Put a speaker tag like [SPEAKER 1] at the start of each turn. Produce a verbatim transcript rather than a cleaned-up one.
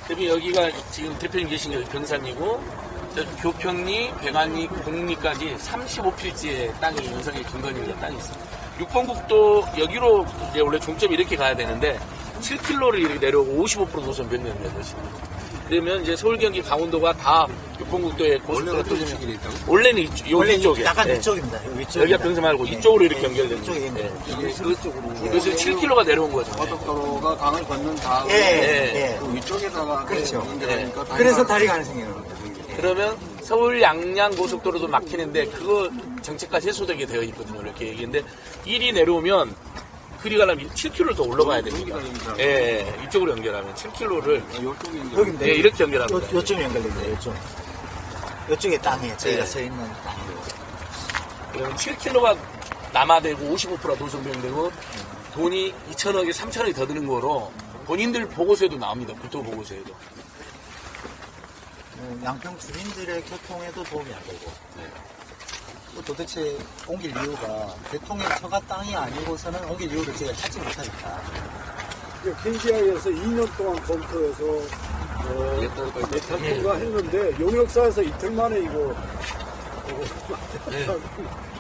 [SPEAKER 1] 대표님 여기가 지금 대표님 계신 게 병산이고 저 교평리, 백안리, 공리까지 삼십오 필지의 땅이 연성의 김건희가 땅이 있습니다. 육 번 국도 여기로 이제 원래 종점이 이렇게 가야 되는데 칠 킬로미터를 이렇게 내려오고 오십오 퍼센트 노선 변경된 것입니다. 그러면 이제 서울, 경기, 강원도가 다 육 번 국도에 고속도로 터지면 원래는 이쪽, 요
[SPEAKER 2] 원래
[SPEAKER 1] 위쪽에
[SPEAKER 2] 약간
[SPEAKER 1] 네.
[SPEAKER 2] 위쪽입니다. 위쪽.
[SPEAKER 1] 여기가 병사 말고 이쪽으로 이렇게 연결된
[SPEAKER 2] 이쪽에
[SPEAKER 1] 거예요.
[SPEAKER 2] 있는
[SPEAKER 1] 네.
[SPEAKER 3] 이쪽으로.
[SPEAKER 1] 그래서 칠 킬로미터가 내려온 거죠.
[SPEAKER 3] 고속도로가 강을 건넌 다음에
[SPEAKER 2] 예,
[SPEAKER 1] 네.
[SPEAKER 2] 예.
[SPEAKER 3] 그 위쪽에다가
[SPEAKER 2] 그렇죠.
[SPEAKER 3] 연결하니까 다리가
[SPEAKER 2] 그래서 다리 가는 생겨요.
[SPEAKER 1] 그러면 서울 양양 고속도로도 막히는데 그거 정책까지 해소되게 되어 있거든요. 이렇게 얘기인데 일이 내려오면 그리 가려면 칠 킬로미터를 더 올라가야 됩니다. 예, 예, 이쪽으로 연결하면 칠 킬로미터를
[SPEAKER 3] 이쪽에 연결.
[SPEAKER 2] 여기인데
[SPEAKER 1] 예, 이렇게 연결합니다.
[SPEAKER 2] 요, 요쯤 연결됩니다. 요쪽. 요쪽에 땅에 저희가
[SPEAKER 1] 네.
[SPEAKER 2] 서 있는 땅이에요.
[SPEAKER 1] 그러면 칠 킬로미터가 남아되고 오십오 퍼센트가 노선변경되고 돈이 이천억에 삼천억이 더 드는 거로 본인들 보고서에도 나옵니다. 국토 보고서에도.
[SPEAKER 2] 어, 양평 주민들의 교통에도 도움이 안 되고. 또 도대체 옮길 이유가 대통령 처가 땅이 아니고서는 옮길 이유를 제가 찾지 못하니까.
[SPEAKER 4] 켄지아에서 이 년 동안 검토해서 어, 예탁 통과했는데 용역사에서 이틀 만에 이거
[SPEAKER 1] 네.